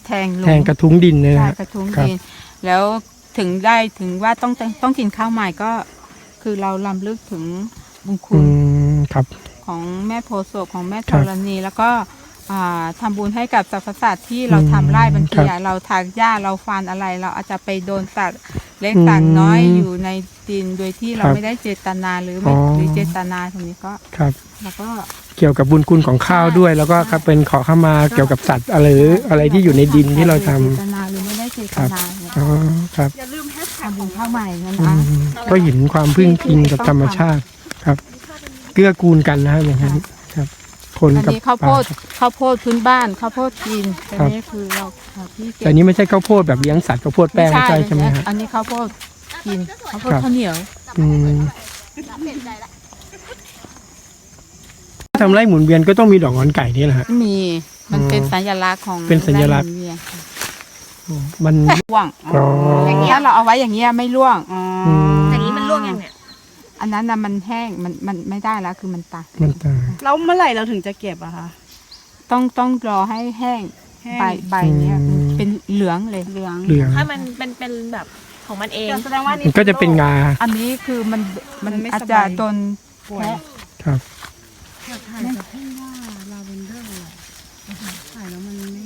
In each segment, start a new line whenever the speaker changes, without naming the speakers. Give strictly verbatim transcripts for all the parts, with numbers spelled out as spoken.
แทงลง
แทงกระทุ้งดินเลย
ใช่
นะ
กระทุ้งดินแล้วถึงได้ถึงว่าต้องต้องกินข้าวใหม่ก็คือเราลำลึกถึงบุญคุณ
ครับ
ของแม่โพธิ์โศกของแม่ธรณีแล้วก็ทำบุญให้กับสรรพสัตว์ที่เราทำไร่บางทีเราถากหญ้าเราฟันอะไร เราอาจจะไปโดนสัตว์เล็กสัตว์น้อยอยู่ในดินโดยที่เราไม่ได้เจตนาหรือไม่หรือเจตนาตรงนี้ก็แล้วก็
เกี่ยวกับบุญคุณของข้าวด้วยแล้วก็เป็นขอเข้ามาเกี่ยวกับสัตว์อะไรหรืออะไรที่อยู่ในดินที่เราทำ
เจตนาหรือไม่ได้เจตนา
อ๋อครับ
อย่าลืมแฮชแท็กบุญข้าวใหม่นะคะ
ก็เห็นความพึ่งพิงกับธรรมชาติครับเกื้อกูลกันนะอย่างนั้นครับคนกับ
ข้าวโพดข้าวโพดพื้นบ้านข้าวโพดกินแต่นี้คือเราที่
แต่นี้ไม่ใช่ข้าวโพดแบบเลี้ยงสัตว์ข้าวโพดแป้งใช่ใช่ไหมครับ
อันนี้ข้าวโพดกินข้าวโพดข้าวเหนียว
อืมทำไร่หมุนเวียนก็ต้องมีดอกงอนไก่นี่แหละฮะ
มีมันเป็นสัญลักษณ์ของ
เป็นสัญลักษณ์มัน
ร่วงอย่างนี้ถ้าเราเอาไว้อย่างเงี้ยไม่ร่วง
อย่างนี้มันร่วงยังเนี่ย
อันนั้นนะมันแห้งมันมันไม่ได้แล้วคือมันตาย
มันตาย
แล้วเมื่อไหร่เราถึงจะเก็บอะคะ
ต้องต้องรอให้แห้งใบใบเนี้ยเป็นเหลืองเลยเหลือง
เหลือง
ให้มันเป็นเป็นแบบของมันเอง
แสดงว่ามันก็จะเป็นงา
อันนี้คือมันมันอาจจะโดน
แพ้ครับ
ถ่ายกับพี่ว่าลาเวนเดอร์ถ่ายแล้วมันไม่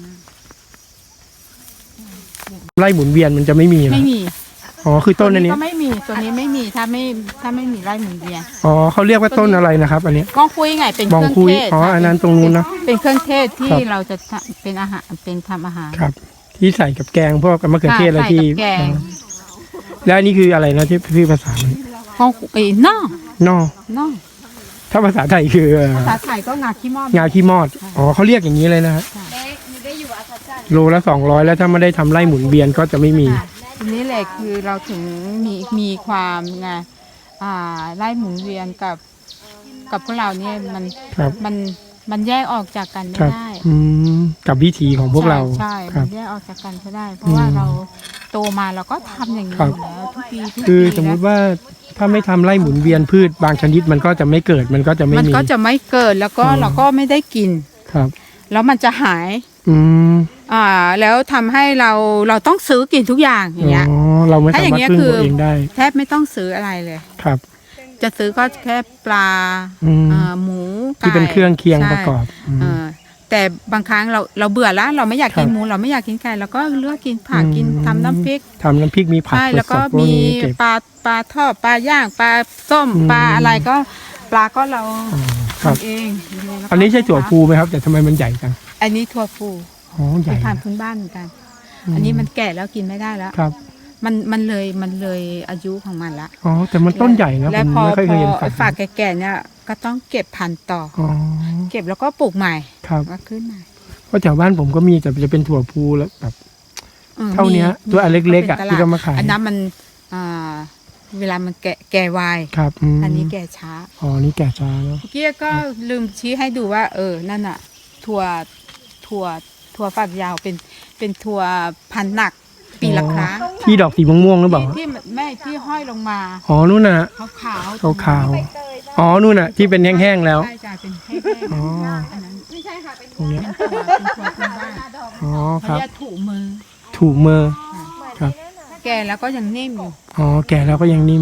ไร่หมุนเวียนมันจะไม่มี
ไม่มี
อ๋อคือต้นอันนี้
ก็ไม่มีตัวนี้ไม่มีถ้าไม่ถ้าไม่มีไร่หมุนเวียน
อ๋อเขาเรียกว่าต้นอะไรนะครับอันนี้
ก้องคุยไงเป็นเครื่องเทศ
อ๋ออันนั้นตรงนู้นเนาะ
เป็นเครื่องเทศที่เราจะเป็นอาหารเป็นทำอาหาร
ครับที่ใส่กับแกงพวกมะเขือเทศอะไรที่แล้วอันนี้คืออะไรนะที่พี่ภาษา
ก้องคุยน่อง
น่อง
น่อง
ถ้าภาษาไทยคือ
ภาษาไทยก็งาขี้มอด
งาขี้มอดอ๋อเขาเรียกอย่างนี้เลยนะฮะโลละสองร้อยแล้วถ้าไม่ได้ทำไร่หมุนเวียนก็จะไม่มี
ทีนี้แหละคือเราถึงมีมีความไงอ่าไล่หมุนเวียนกับกับพวกเราเนี่ยมันมันมันแยกออกจากกันไม่ได้
กับวิถีของพวกเรา
ใช่มันแยกออกจากกันไม่ได้เพราะว่าเราโตมาเราก็ทำอย่างนี้แล้วทุกปีทุกปี
คือสมมติว่าถ้าไม่ทำไร่หมุนเวียนพืชบางชนิดมันก็จะไม่เกิดมันก็จะไม่มี
มันก็จะไม่เกิดแล้วก็เราก็ไม่ได้กิน
ครับ
แล้วมันจะหาย
อืม
อ่าแล้วทำให้เราเราต้องซื้อกินทุกอย่างอย่างเงี้ย
อ๋อเราไม่สามารถพึ่งตัวเองได้
แทบไม่ต้องซื้ออะไรเลย
ครับ
จะซื้อก็แค่ปลาหมู
ที่เป็นเครื่องเคียงประกอบ
แต่บางครั้งเราเราเบื่อแล้วเราไม่อยากกินหมูเราไม่อยากกินไก่เราก็เลือกกินผักกินทำน้ำพริก
ทำน้ำพริกมีผัก
ใช่แล้วก็มีปลาปลาทอดปลาย่างปลาส้มปลาอะไรก็ปลาก็เราทำเอง
อันนี้ใช่ถั่วพูไหมครับแต่ทำไมมันใหญ่จัง
อันนี้ถั่วพู
อ๋อใหญ่
เป็นพันธุ์พื้นบ้านเหมือนกันอันนี้มันแก่แล้วกินไม่ได้แล้ว
ครับ
มันมันเลยมันเลยอายุของมันละ
อ๋อแต่มันต้นใหญ่นะ
แล้วพอพอฝากแก่ๆเนี่ยก็ต้องเก็บพันธุ์ต่อเก็บแล้วก็ปลูกใหม่ก็ขึ้นใหม่
เพราะแถวบ้านผมก็มีแต่จะเป็นถั่วพูแล้วแบบเท่านี้ตัวอันเล็กๆอ่ะที่เขามาขาย
อันนั้นมันอ่าเวลามันแก่แก่ไว
ครับ
อันนี้แก่ช้า
อ๋อนี่แก่ช้าแล้ว
เมื่อกี้ก็ลืมชี้ให้ดูว่าเออนั่นอ่ะถั่วถั่วถั่วฝักยาวเป็นเป็นถั่วพันธุ์หนักปีละครั้ง
ที่ดอกสีม่วงๆหรือเปล่า
ที่แม่ที่ห้อยลงมา
อ๋อนู่นน่ะ
ขาวขาว
ขาวขาวอ๋อนู่นน่ะที่เป็นแห้งๆแล้ว
ใช่จ้ะเป็นแห้งๆอ๋ออันนั้นไม่ใช่ค่ะเป็นตรงนี้เป็นถั่วเป็นถั่วพื้นบ้าน
อ๋อครับ
ถูมือ
ถูมือครับ
แก่แล้วก็ยังนิ่มอยู่
อ๋อแก่แล้วก็ยังนิ่ม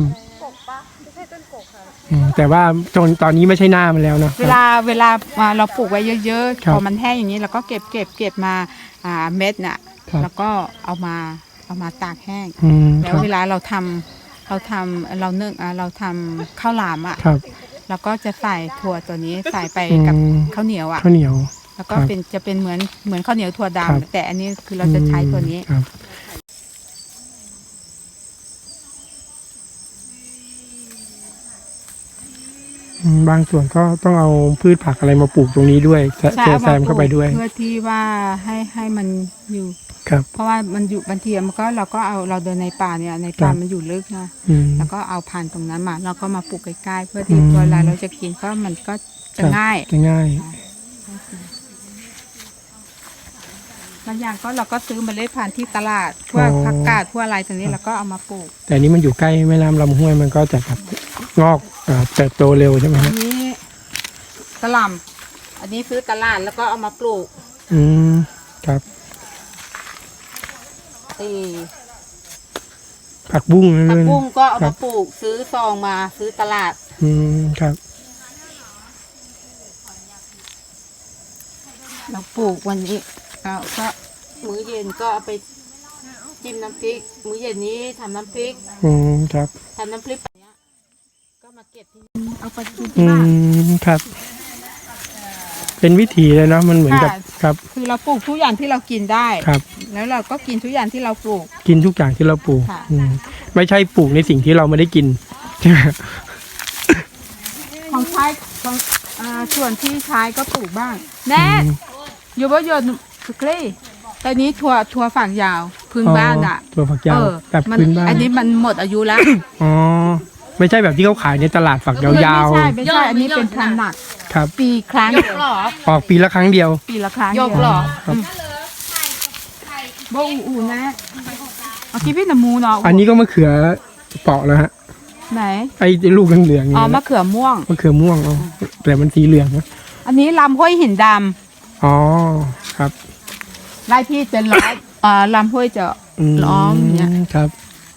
แต่ว่าจนตอนนี้ไม่ใช่หน้ามันแล้วเนาะ
เวลาเวลาเราปลูกไว้เยอะๆพอมันแห้งอย่างนี้เราก็เก็บเก็บเก็บมาอ่าเม็ดน่ะแล้วก็เอามาเอามาตากแห้งแล้วเวลาเราทำเราทำเราเนื่องเราทำข้าวหลามอ่ะเราก็จะใส่ถั่วตัวนี้ใส่ไปกับข้าวเหนียวอ่ะ
ข้าวเหนียว
แล้วก็เป็นจะเป็นเหมือนเหมือนข้าวเหนียวถั่วดำแต่อันนี้คือเราจะใช้ตัวนี้
บางส่วนก็ต้องเอาพืชผักอะไรมาปลูกตรงนี้ด้วยแซมเข้าไปด้วย
เพื่อที่ว่าให้ให้มันอยู่เพราะว่ามันอยู่บางทีมันก็เราก็เอาเราเดินในป่าเนี่ยในป่ามันอยู่ลึกนะแล้วก็เอาพันธุ์ตรงนั้นมาแล้วก็มาปลูกใกล้ๆเพื่อที่เวลาเราจะกินก็มันก็จะง่าย
จะง่าย
บางอย่างก็เราก็ซื้อเมล็ดพันธุ์ที่ตลาดพวกผักกาดพวกอะไรตรงนี้เราก็เอามาปลูก
แต่นี้มันอยู่ใกล้แม่น้ำลำห้วยมันก็จะแบบงอกเติบโตเร็วใช่ไหมครับ
อันนี้กระหล่ำอันนี้ซื้อตลาดแล้วก็เอามาปลูก
อืมครับ
เอ่อ
ผักบุ้ง
ผัก
เลย
บุ้งก็เอา
ครั
มา
บ
ปลูกซื้อซองมาซื้อตลาด
อืมครับ
เราปลูกวันนี้เราก็มื้อเย็นก็เอาไปจิ้มน้ำพริก มื้อเย็นนี้ทำน้ำพริก
อืมครับ
ทำน้ำพริกแบบเนี้ยก็มาเก็บที่เอาไปกิน
อื
ที่บ้าน
มครับ เป็นวิถีเลยเนาะมันเหมือนกับ
ค่ะ
ครับ
คือเราปลูกทุกอย่างที่เรากินได้
ครับ
แล้วเราก็กินทุกอย่างที่เราปลูก
กินทุกอย่างที่เราปลูก
ค่ะ
อืมไม่ใช่ปลูกในสิ่งที่เราไม่ได้กินใช่ไหม
ของใช้ของอ่าส่วนที่ใช้ก็ปลูกบ้าง แน่อยู่บ่ยนสุกลี่ตอนนี้ถั่วถั่วฝักยาวพื้นบ้านอ่ะ
ตัวฝักยาว
เออ
แบบ
มั
พื้นบ้าน
อันนี้มันหมดอายุแล้ว
อ๋อไม่ใช่แบบที่เขาขายในตลาดฝักยาว
ไม่ใช่ไม่ใช่อันนี้เป็นพันธุ์หนัก
ๆครับ
ปีครั้ง
ยกหรอ
ออกปีละครั้งเดียว
ปีละครั้ง
ยกเหรอ
ครับ
บ่อูอูนะเอาคิดเป็นน้ำมูเนาะ
อันนี้ก็มะเขือเปราะแล้วฮะ
ไหน
ไอ้ลูกเหลืองๆ
อ๋
นี่
อมะเขือม่วง
มะเขือม่วงอ๋อแต่มันสีเหลืองนะ
อันนี้ลำห้วยหินด
อ๋อครับ
ำไร่ที่เป็นร้อยอ่าลำห้วยจะ
ม
ล้อมอย่างเงี้ย
ครับ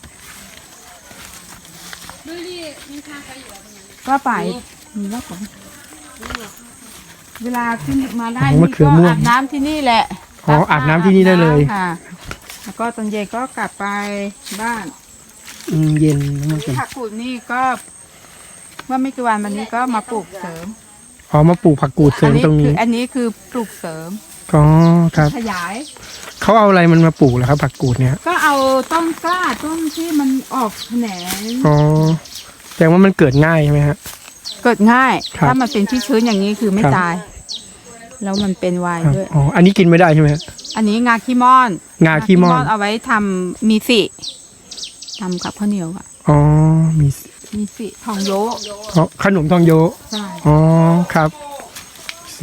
ก็ไปมีแล้วผมเวลาขึ้นมาได้
อ๋อมะ
นี่
เขื
ก็
อม่วง
อาบน้ำที่นี่แหละ
อ๋ออาบน้ำที่นี่ได้เลย
ค่ะ แล้วก็ตอนเย็นก็กลับไปบ้าน
อืมเย็นมากเลย
ผักกูดนี่ก็เมื่อไม่กี่วันวันนี้ก็มาปลูกเสริม
อ๋อมาปลูกผักกูดเสริ
อั
ม
นี้
ตรง
คื
นี้
ออันนี้คือปลูกเสริม
อ๋อครับ
ขยาย
เขาเอาอะไรมันมาปลูกเหรอครับผักกูดเนี่ย
ก็เอาต้นกล้าต้นที่มันออกแขนง
อ๋อแสดงว่ามันเกิดง่ายใช่ไหมฮะ
เกิดง่าย
ครับ
ถ้ามันเป็นที่ชื้นอย่างนี้คือไม่
ครับ
ตาย แล้วมันเป็นไวน์
ครับ
ด้วย
อ๋ออันนี้กินไม่ได้ใช่ไหมฮะ
อันนี้งาขี้ม่อน
งาขี้ม่อน
เอาไว้ทำมีสิทำกับข้าวเหนียวอะ
อ๋อมี
มีสิทองโยะ
อ๋อขนมทองโย
ใช่
อ๋อครับสิ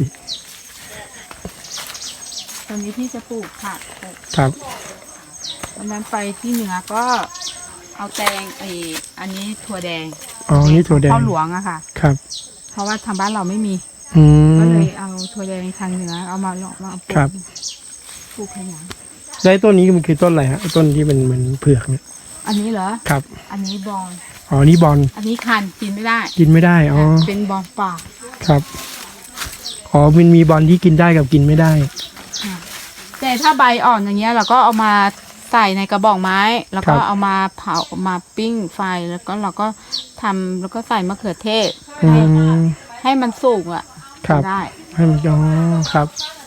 ตอนนี้ที่จะปลูกผัก
ครับ
วันนั้นไปที่เหนือก็เอาแตงไออันนี้ถั่วแดง
อ๋อนี่ถั่วแดง
ข้าวหลวงอะค่ะ
ครับ
เพราะว่าทางบ้านเราไม่มี
อื
ก็เล
ม
ยเอาถั่วแดงทางเหนือเอามาหลอกมาปลู
ครั
ก
บ
ปลูกขยาย
แล้วไอ้ต้นนี้มันคือต้นอะไรฮะไอ้ต้นที่มันเหมือนเผือกเนี่ย
อันนี้เหรอ
ครับ
อันนี้บอล
อ๋อนี่บอล
อันนี้คันกินไม่ได้
กินไม่ได้อ๋อ
เป็นบอลป่า
ครับอ๋อมันมีบอลที่กินได้กับกินไม่ได้
แต่ถ้าใบอ่อนอย่างเงี้ยเราก็เอามาใส่ในกระบอกไม้ แล้วก็
ครับ
เอามาเผามาปิ้งไฟแล้วก็เราก็ทำแล้วก็ใส่มะเขือเทศ
อื
ให้
ม
ให้มันสุกอ่ะ
ครับ
ได้
ให้มันอ๋อครับ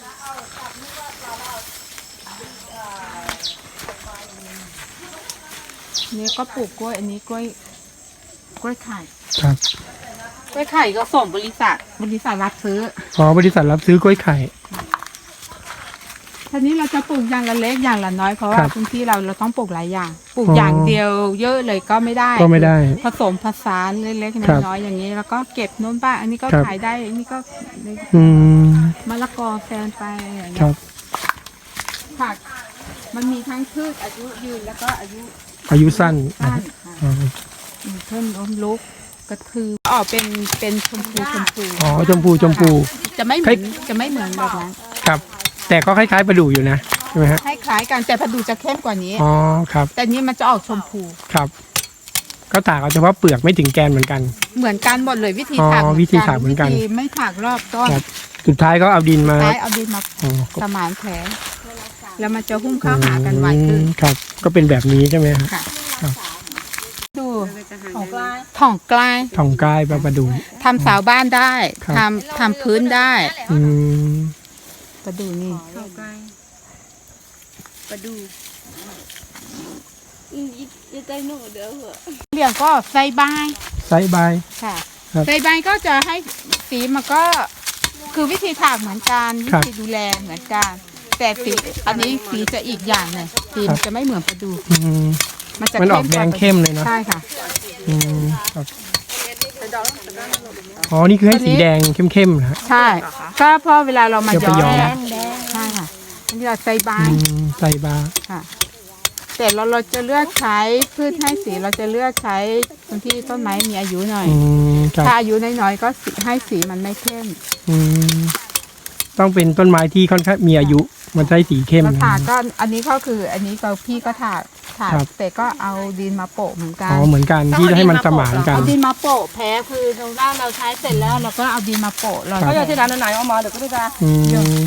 นี่ก็ปลูกกล้วยอันนี้กล้วยกล้วยไข่
ครับ
กล้วยไข่ก็ส่งบริษัทบริษัทรับซื้อ
อ๋อบริษัทรับซื้อกล้วยไข่
ทีนี้เราจะปลูกอย่างละเล็กอย่างละน้อยเพราะ
ค
ว่า
รับ
พื้นที่เราเราต้องปลูกหลายอย่าง ปลูก
อ๋อ
อ
อย่าง
เดียวเยอะเลยก็ไม่ได้
ก็ไม่ได้
ผสมผสานเล็ก
ครับ
ๆน้อยๆอย่างนี้ แล้วก็เก็บโน้นบ้างอันนี้ก็
ครับ
ขายได้อันนี้ก็
อืม
มะละกอแซนไปอย่าง
ค
เงี้
รั
ย
บ
ผักมันมีทั้งพืชอายุยืนแล้วก็อายุ
อายุสั้น
สั้นค่ะ
อ๋อ
มีเพิ่มล้มลุกก็คือออกเป็นเป็นชมพูชมพู
อ๋อชมพูชมพู
จะไม่เหมือนจะไม่เหมือนแบบนั้น
ครับ แต่ก็คล้ายๆปลาดูอยู่นะใช่ไหมฮะ
คล้ายๆกันแต่พอดูจะเข้มกว่านี้
อ๋อครับ
แต่นี้มันจะออกชมพู
ครับ ก็ต่างเอาเฉพาะเปลือกไม่ถึงแกนเหมือนกัน
เหมือนกันหมดเลยวิธี
อ๋อ
ถาก
วิธีถากเหมือนกัน
วิธีไม่ถากรอบต้น
ครับ สุดท้ายก็เอาดินมา
ใช้เอาดินมา
อ๋อ
สมานแผลแล้วมันจะหุ้มเข้าหากันไวขึ้น
อืมครับ ก็เป็นแบบนี้ใช่ไหมฮะ
ค่ะ
ครับ
ดู
ของกลาง
ถ่องกลาย
ทองกายปลาประดู
ทำเสาบ้านได้
ครับ
ทำทำพื้นได้
อืม
ประดูนี่
ของกลางประดูอืมยิ่งใจหนูเด้อเหอะ
เรียกก็ใส่ใบาย
ไซส์ใบ
ค่ะ
ครับ
ใส่ใบายก็จะให้สีมันก็คือวิธีถากเหมือนกันวิ
ครับ
ธีดูแลเหมือนกัน แต่สีอันนี้สีจะอีกอย่างหนึ่งสีมันจะไม่เหมือนประดู
อืม
มันจะ
มันออกแดง
ว่า
เข้มเลยเนอะ
ใช่ค่ะ
อืมครับอ๋อ นี่คือให้สีแดงเข้มๆนะฮะ
ใช่ ก็เพราะเวลาเรามา
เดี๋ยว
ย้
ไป
อ
ย้อม
มใช่ค่ะอันนี้เราใส่ใบ
อืมใส่บา
ค่ะ แต่เราเราจะเลือกใช้พืชให้สีเราจะเลือกใช้ตรงที่ต้นไม้มีอายุหน่อย
อืมครับ
ถ้าอายุน้อยๆก็สีให้สีมันไม่เข้ม
อืมต้องเป็นต้นไม้ที่ค่อนข้างมีอายุมันได้สีเข้ม
เราถากก็อันนี้ก็คืออันนี้ก็พี่ก็ถากถาก
ครับ
แต่ก็เอาดินมาโปะเหมือนกั
อ๋
น
อเหมือนกันที่ให้มันสมานกัน
เอาดินมาโปะแพ้คือตรงด้านเราใช้เสร็จแล้วเราก็เอาดินมาโปะเรา
เขาจะที่ร้านไหนเอามาเดี๋ยวก็ได้จ้า
อืม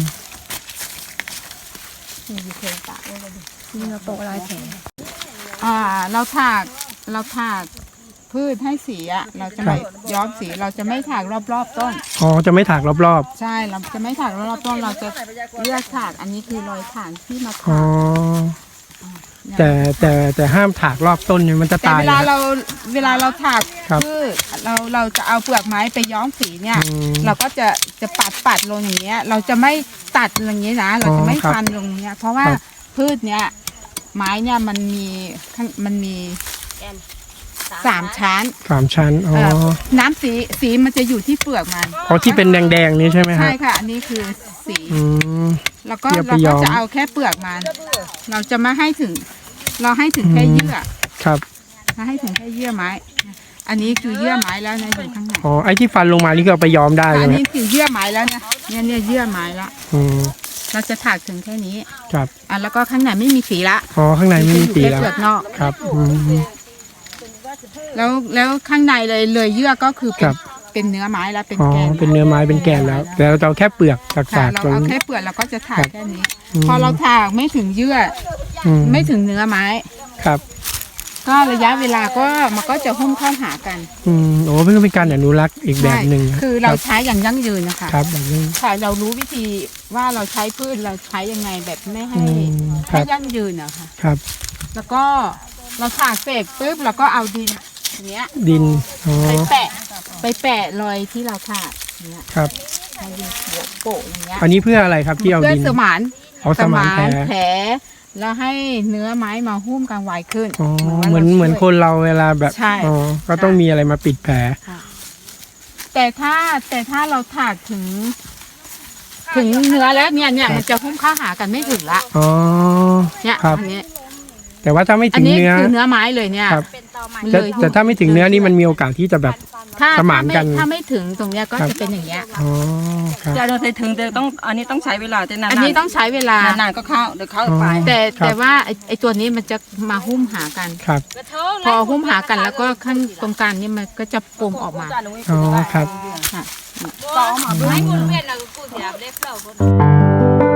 มีเคยตากไว้เลย
นี่เราโปะลายแผล
อ่าเราถากเราถากพืชให้สีอ่ะเราจะไม่ย้อมสีเราจะไม่ถากรอบๆต้น
อ๋อจะไม่ถากรอบ
ใช่เราจะไม่ถากรอบๆต้นเราจะเลือกถากอันนี้คือรอยฐานที่มา
ๆอ๋อ
ถาก
แต่แต่แต่ห้ามถากรอบต้นเนี่ยมันจะ
แต่
ตาย
เวลา
นะ
เราเวลาเราถาก
ครับ
พืชเราเราจะเอาเปลือกไม้ไปย้อมสีเนี่ย
อืม
เราก็จะจะปัดปัดลงอย่างเงี้ย เราจะไม่ตัดอย่างนี้นะ เราจะไม่
อ๋อครับ
ฟันลงเนี้ย เพราะว่า
ครับ
พืชเนี้ยไม้เนี่ยมันมีข้างมันมีสามชั้น
สามชั้นอ๋อ
เอ่อน้ำสีสีมันจะอยู่ที่เปลือกมัน
เพราะที่เป็นแดงๆนี้ใช่ไหมครั
ใช่
บ
ค่ะ อันนี้คือสี
อืม
แล้วก็
เดี๋ยวไป
เรา
ย้
ก็
อม
จะเอาแค่เปลือกมัน เราจะไม่ให้ถึง เราให้ถึงแค่
อืม
เยื่อ
ครับ
เราให้ถึงแค่เยื่อไม้ อันนี้คือเยื่อไม้แล้วนะอยู่ข้างใน
อ๋อไอ้ที่ฟันลงมานี่ก็เอาไปย้อมได้
อั
ใช่
น
ไหม
นี้คือเยื่อไม้แล้วเนี่ยเนี่ยเนี่ยเยื่อไม้ละ
อืม
เราจะถากถึงแค่นี้
ครับ
อ่ะแล้วก็ข้างในไม่มีสีละ
อ๋อข้างในไม่มีสี
แค่
แล้ว
เปลือกนอก
ครับอืม
แล้วแล้วข้างในเลยเลยเยื่อก็คือเป็
ครั
น
บ
เป็นเนื้อไม้แล้วเป็น
อ๋อ
แกน
เป็นเนื้อไม้เป็นแกนแล้ว แต่เราจะเอาแค่เปลือกจาก
ค่ะ
สาก
เรา
ตรง
เอา
นี้
แค่เปลือกเราก็จะถาก
ครับ
แค่นี้
อืม
พอเราถากไม่ถึงเยื่อ
อื
อไม่ถึงเนื้อไม้
ครับ
ก็ระยะเวลาก็มันก็จะหุ้มเข้าหากัน
อืมโอ้เพื่อเป็นการอนุรักษ์อีกแบบหนึ่ง
ใช่คือเราใช้อย่างยั่งยืนนะคะ
ครับแบบนี้
ค่ะเรารู้วิธีว่าเราใช้พืชเราใช้ยังไงแบบไม่ให้
อืมค
ให้
รับ
ยั่งยืนอะค่ะ
ครับ
แล้วก็เราถากเสร็จปุ๊บเราก็เอาดินอย่างเงี้ย
ดินอ๋อ
ไปแปะไปแปะรอยที่เราถากอย่างเงี้ย
ครับ
ให้ดินโปะอย่างเงี้ย
อันนี้เพื่ออะไรครับที่เอา
เพื่อ
ดิน
สมาน
เอาสมานแผล
แผลแล้วให้เนื้อไม้มาหุ้มกันไวขึ้น
อ๋อ
ว่า
เหมือน
รา
เหมือน
ช่วย
คนเราเวลาแบบ
ใช่
อ๋อก็ต้องมีอะไรมาปิดแผล
แต่ถ้าแต่ถ้าเราถากถึง ถึงเนื้อแล้วเนี่ยเนี่ยมันจะหุ้มเข้าหากันไม่ถึงละ
อ๋อ
เนี่ย
ครับ
อันนี้
แต่ว่าถ้าไม่
อั
ถึ
น
ง
นี้
เนื้อ
คือเนื้อไม้เลยเนี่ย
ครับ
มัน
แต่
เลย
แต่ถ้าไม่ถึงเนื้อนี่มันมีโอกาสที่จะแบบ
ถ้า
สมานกัน
ถ้าไม่ถึงตรงเนี้ยก็
ครับ
จะเป็นอย่างเงี้ย
อ๋อครับ
จะเราถึงแต่ต้องอันนี้ต้องใช้เวลาแต่นานๆ
อันนี้ต้องใช้เวลา
นานๆก็เข้าเดี๋ยวเข้าไป
แต่
ครับ
แต่ว่าไอ้ไอตัวนี้มันจะมาหุ้มหากัน
ครับ
พอหุ้มหากันแล้วก็ข้างตรงกลางนี่มันก็จะปมออกมา
อ๋อครับ
ค่ะ
ต่อมา
อืม